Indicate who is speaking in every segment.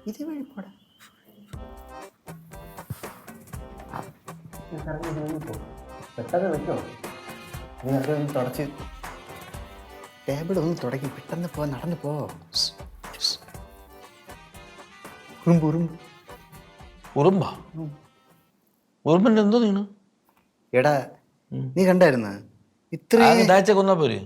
Speaker 1: ഇത് വഴി പോടാ. പെട്ടെന്ന് വെക്കോ, നീ അത് തുടച്ച് ടേബിൾ ഒന്ന് തുടങ്ങി പെട്ടെന്ന് പോ, നടന്നു പോ. ഉറുമ്പ് ഉറുമ്പ്
Speaker 2: ഉറുമ്പാ? ഉറുമ്പിന്റെ എന്തോ നീണ്?
Speaker 1: എടാ നീ കണ്ടായിരുന്ന
Speaker 2: ഇത്ര കൊന്നാ പോരെ?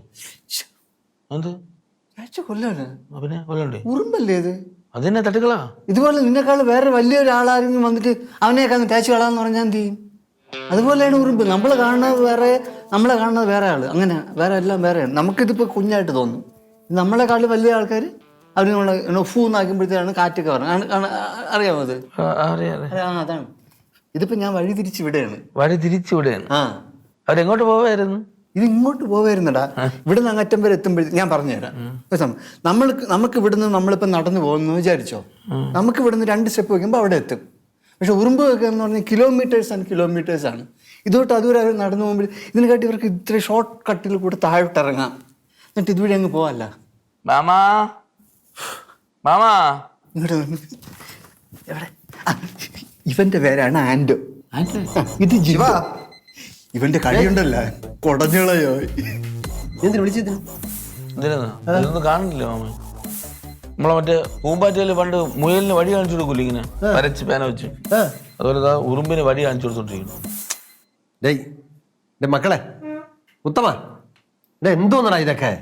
Speaker 1: കൊല്ലാണ്
Speaker 2: പിന്നെ കൊല്ലണ്ടേ?
Speaker 1: ഉറുമ്പല്ലേ ഇത്?
Speaker 2: അതെന്നെ തട്ടുകളാ.
Speaker 1: ഇതുപോലെ നിന്നെക്കാൾ വേറെ വലിയൊരാളാരെങ്കിലും വന്നിട്ട് അവനെയൊക്കെ അങ്ങ് തേച്ച് കളാന്ന് പറഞ്ഞാൽ എന്ത് ചെയ്യും? അതുപോലെയാണ് ഉറുമ്പ്. നമ്മളെ കാണുന്നത് വേറെ, നമ്മളെ കാണുന്നത് വേറെ ആള്, അങ്ങനെ വേറെ എല്ലാം വേറെയാണ്. നമുക്കിതിപ്പോൾ കുഞ്ഞായിട്ട് തോന്നും. നമ്മളെക്കാൾ വലിയ ആൾക്കാർ അവർ നമ്മളെ ഫൂ എന്നാക്കുമ്പോഴത്തേക്കാണ് കാറ്റൊക്കെ പറഞ്ഞത്. അറിയാമോ അത്? അതാണ്. ഇതിപ്പോ ഞാൻ വഴി തിരിച്ച് വിടുകയാണ്.
Speaker 2: വഴി തിരിച്ചു വിടുകയാണ്?
Speaker 1: ആ.
Speaker 2: അവരെങ്ങോട്ട് പോവായിരുന്നു?
Speaker 1: ഇത് ഇങ്ങോട്ട് പോവായിരുന്നടാ. ഇവിടുന്ന് അങ്ങറ്റം വരെ എത്തുമ്പോഴത്തേക്ക് ഞാൻ പറഞ്ഞുതരാം. നമുക്ക് ഇവിടുന്ന് നമ്മളിപ്പോൾ നടന്നു പോകുന്നു വിചാരിച്ചോ, നമുക്ക് ഇവിടുന്ന് 2 സ്റ്റെപ്പ് വയ്ക്കുമ്പോൾ അവിടെ എത്തും. പക്ഷെ ഉറുമ്പ് വെക്കുക എന്ന് പറഞ്ഞാൽ കിലോമീറ്റേഴ്സ് ആണ്. ഇതോട്ട് അതുവരെ അവർ നടന്നു പോകുമ്പോൾ ഇതിനെക്കാട്ടി ഇവർക്ക് ഇത്ര ഷോർട്ട് കട്ടിൽ കൂടെ താഴോട്ട് ഇറങ്ങാം, എന്നിട്ട് ഇതുവഴി അങ്ങ് പോവല്ല.
Speaker 2: മാമാ മാമാ
Speaker 1: ഇങ്ങോട്ട് എവിടെ? ഇവന്റെ പേരാണ് ആൻഡോ. ഇത് ജീവ. ഇവന്റെ കഴിയുണ്ടല്ല കൊടഞ്ഞളയോ. എന്തിനു വിളിച്ചതിന്?
Speaker 2: ഇതൊന്നും കാണില്ല മാമ. നമ്മളെ മറ്റേ പൂമ്പാറ്റയില് പണ്ട് മുയലിന് വഴി കാണിച്ചു കൊടുക്കൂല, ഇങ്ങനെ വരച്ച് പേന വെച്ച്, അതുപോലെ ഉറുമ്പിന് വഴി കാണിച്ചു കൊടുത്തോണ്ടിരിക്കുന്നു.
Speaker 3: മക്കളെ ഉത്തമ, എന്തോന്നടാ ഇതൊക്കെ?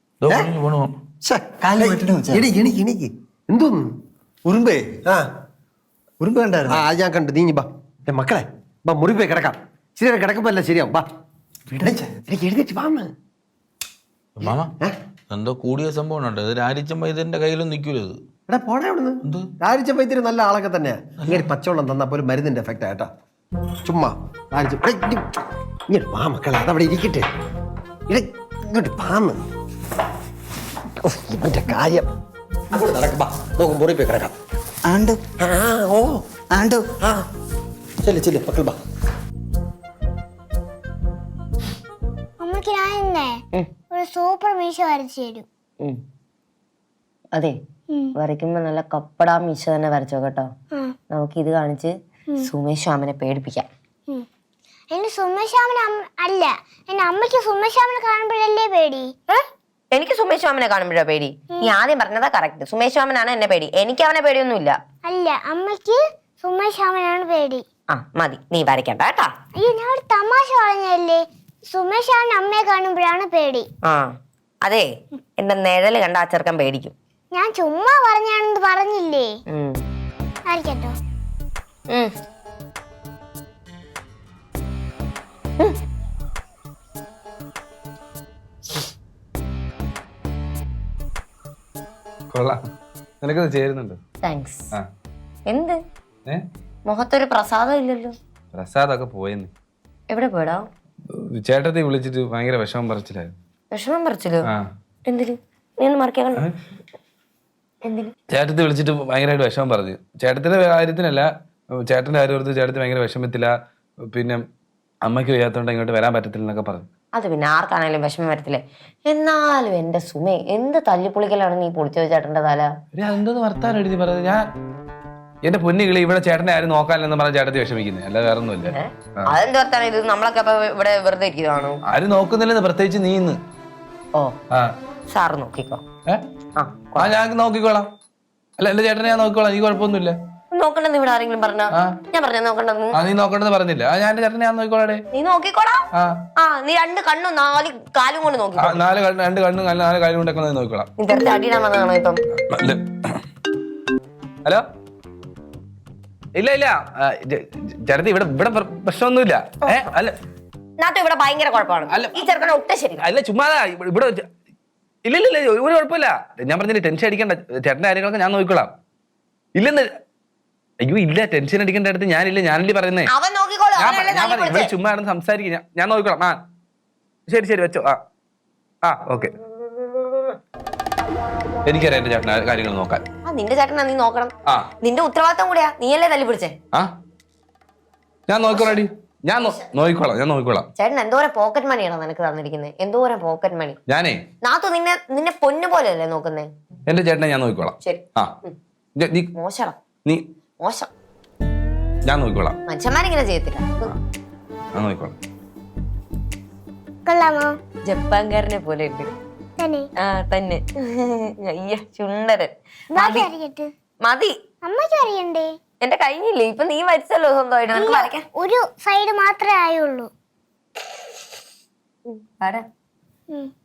Speaker 3: എന്തോന്ന്
Speaker 1: ഉറുമ്പേ? ഉറുമ്പ് കണ്ടായിരുന്നു?
Speaker 3: ഞാൻ കണ്ടു. നീ ബാ മക്കളെ, ബാ മുറി പോയി കിടക്കാം. ശരിയാ, കിടക്കുമ്പോ അല്ല ശരിയാവും. ബാ എഴുതിട്ട് വാന്ന്.
Speaker 2: മാമ എന്തോ കൂടിയ സംഭവം ഉണ്ട്. ഇത് രാരിച്ചൻ വൈദ്യന്റെ കയ്യിലൊന്നും നിൽക്കൂല. ഇത്
Speaker 3: എടാ പോണേ അവിടുന്ന്. രാരിച്ച വൈദ്യര് നല്ല ആളൊക്കെ തന്നെയാ. ഇങ്ങനെ പച്ചവെള്ളം തന്നാ പോലും മരുന്നിന്റെ എഫക്റ്റ് ആയിട്ടാ. ചുമ്മാ ഇങ്ങോട്ട് വാ മക്കളെ, അതവിടെ ഇരിക്കട്ടെ. ഇങ്ങോട്ട് പാന്ന് ഇവന്റെ കാര്യം അങ്ങോട്ട് നടക്കപ്പാ. നോക്കും മുറി പോയി കിടക്കാം.
Speaker 1: ആണ്ടോ?
Speaker 3: ഓ
Speaker 1: ആണ്ടോ?
Speaker 3: ചെല്ല് മക്കൾ ബാ.
Speaker 4: അമ്മക്ക് ഞാൻ ഒരു സൂപ്പർ മീശ വരച്ചു തരും.
Speaker 5: അതെ, വരയ്ക്കുമ്പോ നല്ല കപ്പടാ മീശ തന്നെ വരച്ചോ കേട്ടോ. നമുക്ക് ഇത് കാണിച്ച് സുമേഷ് ശ്യാമിനെ പേടിപ്പിക്കാം.
Speaker 4: എന്റെ സുമേഷ് ശ്യാമിന് അല്ല, എന്റെ അമ്മയ്ക്ക് സുമേഷ് ശ്യാമിനെ കാണുമ്പോഴല്ലേ പേടി.
Speaker 5: എനിക്ക് സുമേഷ് ശ്യാമിനെ കാണുമ്പോഴാ പേടി? നീ ആദ്യം പറഞ്ഞതാ കറക്റ്റ്. സുമേഷ് ശ്യാമനാണ് എന്നെ പേടി, എനിക്ക് അവനെ പേടിയൊന്നുമില്ല.
Speaker 4: അല്ല, അമ്മയ്ക്ക് സുമേഷ് ശ്യാമനാണ് പേടി.
Speaker 5: ആ മതി, നീ വരയ്ക്കണ്ട കേട്ടാ.
Speaker 4: അയ്യോ, ഞാൻ ഒരു തമാശ പറഞ്ഞല്ലേ. സുമേഷ് ശ്യാമിന് അമ്മയെ കാണുമ്പോഴാണ് പേടി.
Speaker 5: ആ അതെ, എന്റെ നിഴല് കണ്ട ആ ചെറുക്കൻ പേടിക്കും.
Speaker 4: ഞാൻ ചുമ്മാ പറഞ്ഞാണെന്ന് പറഞ്ഞില്ലേ. ആയിരിക്കട്ടോ.
Speaker 6: കൊള്ളാം, നിനക്കത് ചേരുന്നുണ്ട്.
Speaker 5: താങ്ക്സ്. എന്ത് മുഖത്തൊരു പ്രസാദം ഇല്ലല്ലോ?
Speaker 6: പ്രസാദൊക്കെ പോയെന്ന്.
Speaker 5: എവിടെ പോയടാ?
Speaker 6: ചേട്ടത്തെ വിളിച്ചിട്ട് ഭയങ്കര വിഷമം പറിച്ചില്ലായിരുന്നു.
Speaker 5: വിഷമം പറിച്ചല്ലോ? എന്തിന്? നീ ഒന്ന് മറിക്കാൻ കണ്ടോ? എന്തിന്?
Speaker 6: ചേട്ടത്തെ വിളിച്ചിട്ട് ഭയങ്കരമായിട്ട് വിഷമം പറഞ്ഞു. ചേട്ടത്തിന്റെ കാര്യത്തിനല്ല, ചേട്ടന്റെ കാര്യം ഓർത്ത് ചേട്ടത്തി ഭയങ്കര വിഷമത്തില്ല. പിന്നെ അമ്മയ്ക്ക് വയ്യാത്തോണ്ട് ഇങ്ങോട്ട് വരാൻ പറ്റത്തില്ല എന്നൊക്കെ പറഞ്ഞു.
Speaker 5: അത് പിന്നെ ആർക്കാണേലും വിഷമം വരത്തില്ലേ. എന്നാലും എന്റെ സുമേ, എന്ത് തല്ലിപ്പൊളിക്കലാണ് നീ പൊളിച്ചു ചേട്ടന്റെ തല.
Speaker 6: അതെന്തോന്ന് വർത്താനം എഴുതി പറഞ്ഞത്? ഞാൻ എന്റെ പൊന്നുകിളി, ഇവിടെ ചേട്ടനെ ആരും നോക്കാനില്ലെന്ന് പറഞ്ഞ ചേട്ടത്തി വിഷമിക്കുന്നത്, അല്ല വേറെ ഒന്നുമില്ല.
Speaker 5: അതെന്ത് വർത്താനം ഇത്? നമ്മളൊക്കെ ഇവിടെ വെറുതെ ഇരിക്കുന്നതാണോ?
Speaker 6: ആരും നോക്കുന്നില്ലെന്ന്, പ്രത്യേകിച്ച് നീന്ന്.
Speaker 5: ഓ സാറ് നോക്കിക്കോ.
Speaker 6: ഞാൻ നോക്കിക്കോളാം. അല്ല, എന്റെ ചേട്ടനെ ഞാൻ നോക്കിക്കോളാം, നീ കുഴപ്പമൊന്നുമില്ല.
Speaker 5: നോക്കണ്ടെന്ന് ഇവിടെ ആരെങ്കിലും പറഞ്ഞോ? ഞാൻ പറഞ്ഞ നോക്കണ്ടെന്ന്?
Speaker 6: നീ നോക്കണ്ടെന്ന് പറഞ്ഞില്ല. ഞാൻ എന്റെ ചേട്ടനെ ഞാൻ നോക്കിക്കോളാടെ.
Speaker 5: നീ നോക്കിക്കോളാം. നീ 2 കണ്ണും 4 കാലും കൊണ്ട് നോക്കി.
Speaker 6: 2 കണ്ണും 4 കാലും കൊണ്ടൊക്കെ നോക്കിക്കോളാം.
Speaker 5: നീ തെരഞ്ഞ അടിയിടാൻ വന്നതാണോ ഇപ്പം?
Speaker 6: ഹലോ, ഇല്ല ചേട്ടത്തി, ഇവിടെ പ്രശ്നമൊന്നുമില്ല. അല്ല
Speaker 5: ഇവിടെ ഭയങ്കര കുഴപ്പമാണ്. ഈ ചെറുക്കനെ ഒട്ടും ശരി
Speaker 6: അല്ല, ചുമ്മാതാ ഇവിടെ. ഇല്ല ഒരു കുഴപ്പമില്ല. ഞാൻ പറഞ്ഞില്ല, ടെൻഷൻ അടിക്കണ്ട. ചേട്ടന്റെ കാര്യങ്ങളൊക്കെ ഞാൻ നോക്കിക്കോളാം. ഇല്ലെന്ന്. അയ്യോ ഇല്ല, ടെൻഷൻ അടിക്കേണ്ട അടുത്ത് ഞാനില്ലേ പറയുന്നേ. ഇവിടെ ചുമ്മാ സംസാരിക്കും. ഞാൻ നോക്കിക്കോളാം. ശരി വെച്ചോ. ഓക്കെ. എനിക്കറിയാം എന്റെ ചേട്ടൻ കാര്യങ്ങൾ നോക്കാൻ.
Speaker 5: നിന്റെ ചേട്ടനാ നീ നോക്കണം. നിന്റെ ഉത്തരവാദിത്തം കൂടെയാ. നീയല്ലേ തല്ലി പിടിച്ചേ?
Speaker 6: ഞാൻ നോക്കിക്കോളാടി. ഞാൻ നോക്കിക്കോളാം.
Speaker 5: ചേട്ടൻ എന്തോരം പോക്കറ്റ് മണിയാണോ നിനക്ക് തന്നിരിക്കുന്നത്? എന്തോരം പോക്കറ്റ് മണി.
Speaker 6: ഞാനേ
Speaker 5: നാത്തു നിന്നെ പൊന്നു പോലെയല്ലേ നോക്കുന്നേ?
Speaker 6: എന്റെ ചേട്ടനെ ഞാൻ നോക്കിക്കോളാം.
Speaker 5: ശരി.
Speaker 6: നീ
Speaker 5: മോശം
Speaker 6: നീ
Speaker 5: മോശം.
Speaker 6: ഞാൻ നോക്കിക്കോളാം.
Speaker 5: മനുഷ്യന്മാരിങ്ങനെ ചെയ്യത്തില്ല.
Speaker 6: ഞാൻ നോക്കിക്കോളാം.
Speaker 4: കൊള്ളാമോ?
Speaker 5: ജപ്പാൻകാരനെ പോലെ ഉണ്ട്.
Speaker 4: തന്നെ
Speaker 5: ആ തന്നെ. അയ്യ ചുണ്ടരൻ.
Speaker 4: ബാക്കി അറിയട്ടെ.
Speaker 5: മതി.
Speaker 4: അമ്മയ്ക്ക് അറിയണ്ടേ?
Speaker 5: എന്റെ കഴിഞ്ഞില്ലേ, ഇപ്പൊ നീ വരച്ചല്ലോ സ്വന്തമായിട്ട്. നിനക്ക് വരയ്ക്കാം.
Speaker 4: ഒരു സൈഡ് മാത്രമേ ആയുള്ളൂ.
Speaker 5: വര.
Speaker 4: ഉം.